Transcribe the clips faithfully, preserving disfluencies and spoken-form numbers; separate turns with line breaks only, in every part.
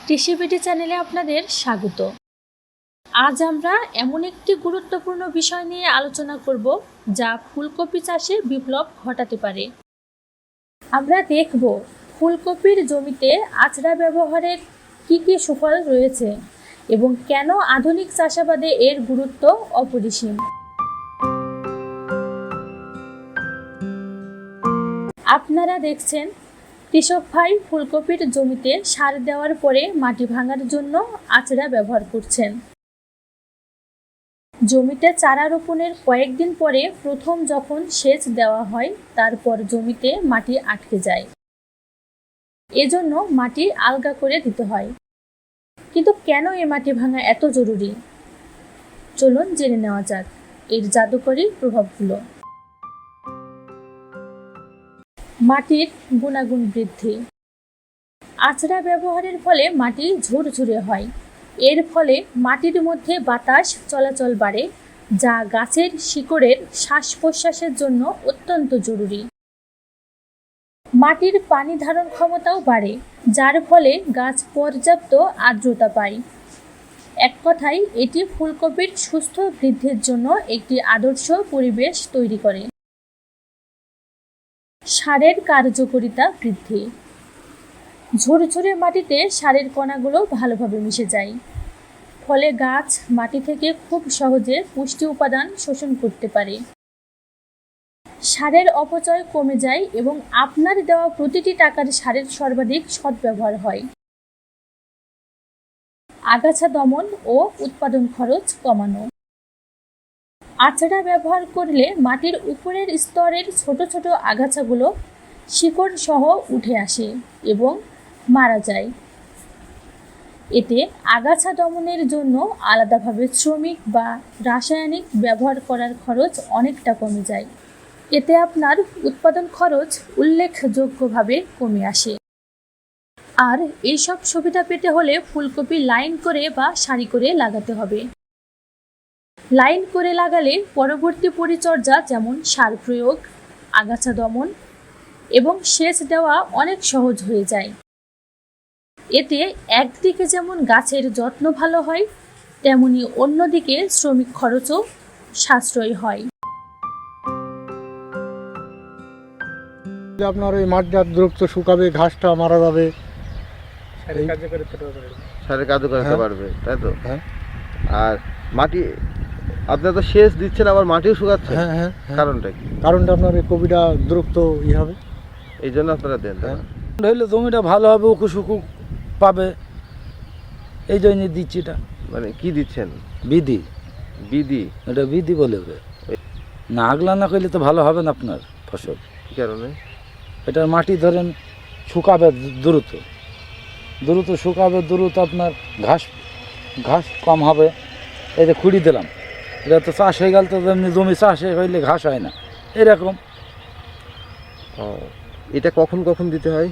কৃষিবিডি চ্যানেলে আপনাদের স্বাগত। আজ আমরা এমন একটি গুরুত্বপূর্ণ বিষয় নিয়ে আলোচনা করব যা ফুলকপি চাষে বিপ্লব ঘটাতে পারে। আমরা দেখব ফুলকপির জমিতে আচড়া ব্যবহারের কী কী সুফল রয়েছে এবং কেন আধুনিক চাষাবাদে এর গুরুত্ব অপরিসীম। আপনারা দেখছেন কৃষক ভাই ফুলকপির জমিতে সার দেওয়ার পরে মাটি ভাঙার জন্য আচড়া ব্যবহার করছেন। জমিতে চারা রোপণের কয়েকদিন পরে প্রথম যখন সেচ দেওয়া হয় তারপর জমিতে মাটি আটকে যায়, এজন্য মাটি আলগা করে দিতে হয়। কিন্তু কেন এ মাটি ভাঙা এত জরুরি? চলুন জেনে নেওয়া যাক এর জাদুকরী প্রভাবগুলো। মাটির গুণাগুণ বৃদ্ধি। আচড়া ব্যবহারের ফলে মাটি ঝুরঝুরে হয়। এর ফলে মাটির মধ্যে বাতাস চলাচল বাড়ে, যা গাছের শিকড়ের শ্বাস প্রশ্বাসের জন্য অত্যন্ত জরুরি। মাটির পানি ধারণ ক্ষমতাও বাড়ে, যার ফলে গাছ পর্যাপ্ত আর্দ্রতা পায়। এক কথায় এটি ফুলকপির সুস্থ বৃদ্ধির জন্য একটি আদর্শ পরিবেশ তৈরি করে। সারের কার্যকারিতা বৃদ্ধি। ঝুরঝুরে মাটিতে সারের কণাগুলো ভালোভাবে মিশে যায়, ফলে গাছ মাটি থেকে খুব সহজে পুষ্টি উপাদান শোষণ করতে পারে। সারের অপচয় কমে যায় এবং আপনার দেওয়া প্রতিটি টাকার সারের সর্বাধিক সদ্ব্যবহার হয়। আগাছা দমন ও উৎপাদন খরচ কমানো। আচড়া ব্যবহার করলে মাটির উপরের স্তরের ছোট ছোট আগাছাগুলো শিকড় সহ উঠে আসে এবং মারা যায়। এতে আগাছা দমনের জন্য আলাদাভাবে শ্রমিক বা রাসায়নিক ব্যবহার করার খরচ অনেকটা কমে যায়। এতে আপনার উৎপাদন খরচ উল্লেখযোগ্যভাবে কমে আসে। আর এইসব সুবিধা পেতে হলে ফুলকপি লাইন করে বা সারি করে লাগাতে হবে। লাইন করে লাগালে পরবর্তী পরিচর্যা যেমন সার প্রয়োগ, আগাছা দমন এবং সেচ দেওয়া অনেক সহজ হয়ে যায়। এতে একদিকে যেমন গাছের যত্ন ভালো হয়, তেমনি অন্যদিকে শ্রমিক খরচও সাশ্রয় হয়।
আপনার ওই মাটিটা দ্রুত শুকাবে, ঘাসটা মারা যাবে,
সারের কাজও করতে পারবে, তাই তো?
হ্যাঁ।
আর মাটি আপনার তো সেচ দিচ্ছেন, আবার মাটিও শুকাচ্ছে।
হ্যাঁ হ্যাঁ।
কারণটা কি?
কারণটা আপনার এই কপিটা দ্রুত ই হবে,
এই জন্য আপনারা দেন।
হ্যাঁ।
হইলে জমিটা ভালো হবে, উকু সুকু পাবে, এই জন্য দিচ্ছি। এটা
মানে কি দিচ্ছেন?
বিধি।
বিধি?
এটা বিধি বলে হবে না। আগলা না করলে তো ভালো হবে না আপনার ফসল।
কি কারণে?
এটা মাটি ধরেন শুকাবে দ্রুত, দ্রুত শুকাবে, দ্রুত আপনার ঘাস ঘাস কম হবে। এই যে খুঁড়ি দিলাম, এটা তো চাষ হয়ে গেল, তো এমনি জমি চাষ হইলে ঘাস হয় না, এরকম।
ও, এটা কখন কখন দিতে হয়?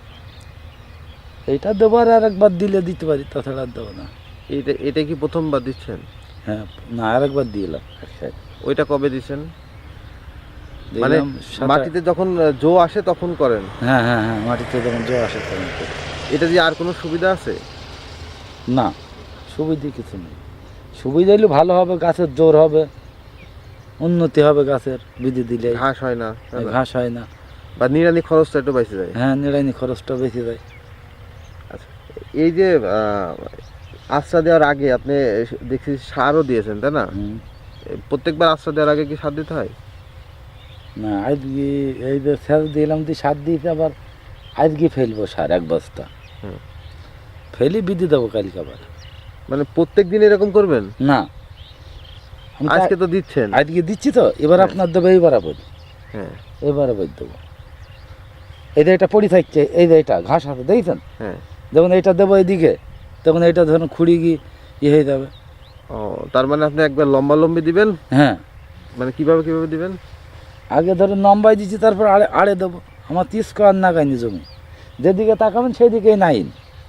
এইটা দেবার আর একবার দিলে দিতে পারি, তাছাড়া আর দেবো না।
এইটা এটা কি প্রথমবার দিচ্ছেন?
হ্যাঁ, না আর একবার দিলাম।
ওইটা কবে দিচ্ছেন? মানে মাটিতে যখন জো আসে তখন করেন?
হ্যাঁ হ্যাঁ হ্যাঁ, মাটিতে যখন জো আসে তখন করি।
এটা দিয়ে আর কোনো সুবিধা আছে?
না, সুবিধা কিছু নেই। সুবিধা হলে ভালো হবে, গাছের জোর হবে, উন্নতি হবে গাছের। বিধি দিলে
ঘাস হয় না,
ঘাস হয় না,
বা নিড়ানি খরচটা একটু বেঁচে যায়।
হ্যাঁ, নিড়ানি খরচটা বেঁচে যায়।
আচ্ছা, এই যে আশ্রা দেওয়ার আগে আপনি দেখছি সারও দিয়েছেন, তাই না? প্রত্যেকবার আশ্রা দেওয়ার আগে কি সার দিতে হয়?
না, আজকে এই যে সার দিলাম, দিয়ে সার দিয়েছে, আবার আজকে ফেলবো সার এক বস্তা, ফেলি বিধি দেবো কালকে আবার।
মানে প্রত্যেক দিন এরকম করবেন?
না,
আজকে তো দিচ্ছেন।
আজকে দিচ্ছি তো, এবার আপনার দেবো এই বরাবর।
হ্যাঁ,
এই বরাবর দেবো। এই যে এটা পড়ে থাকছে, এই যে এটা ঘাস আছে দেখছেন?
হ্যাঁ।
যখন এটা দেবো এইদিকে, তখন এটা ধরুন খুঁড়ি গিয়ে ইয়ে হয়ে যাবে।
ও, তার মানে আপনি একবার লম্বা লম্বি দিবেন?
হ্যাঁ।
মানে কিভাবে কিভাবে দিবেন?
আগে ধরুন লম্বাই দিচ্ছি, তারপর আড়ে আড়ে দেবো। আমার তিরিশ স্কোয়ার নাগাইনি জমি, যেদিকে তাকাবেন সেই দিকেই নাইন।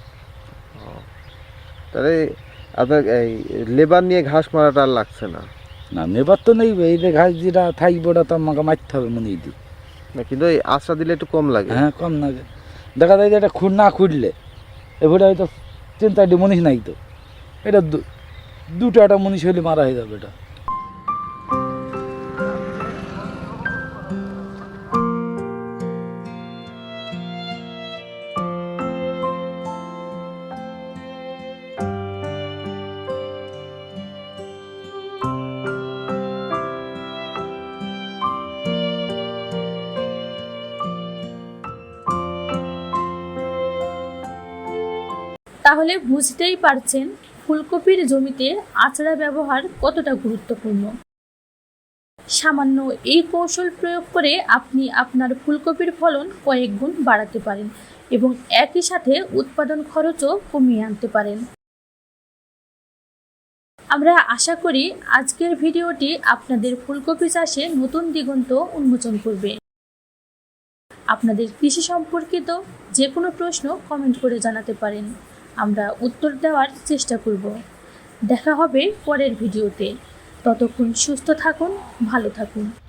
তাহলে আপনার এই লেবার নিয়ে ঘাস মারাটা আর লাগছে না?
না, নেবার তো নেই, এই যে ঘাস যেটা থাকবে ওটা তো আমাকে মারতে হবে মনে দিই
না, কিন্তু এই আশ্রা দিলে একটু কম লাগে।
হ্যাঁ, কম লাগে। দেখা যায় যে এটা খুঁড় না খুঁড়লে এবারে হয়তো তিন চারটি মনীষ নাই তো, এটা দু- দুটো একটা মনীষ হলে মারা হয়ে যাবে এটা।
তাহলে বুঝতেই পারছেন ফুলকপির জমিতে আচড়া ব্যবহার কতটা গুরুত্বপূর্ণ। সামান্য এই কৌশল প্রয়োগ করে আপনি আপনার ফুলকপির ফলন কয়েক গুণ বাড়াতে পারেন এবং একই সাথে উৎপাদন খরচও কমিয়ে আনতে পারেন। আমরা আশা করি আজকের ভিডিওটি আপনাদের ফুলকপি চাষে নতুন দিগন্ত উন্মোচন করবে। আপনাদের কৃষি সম্পর্কিত যে কোনো প্রশ্ন কমেন্ট করে জানাতে পারেন, আমরা উত্তর দেওয়ার চেষ্টা করব। দেখা হবে পরের ভিডিওতে। ততক্ষণ সুস্থ থাকুন, ভালো থাকুন।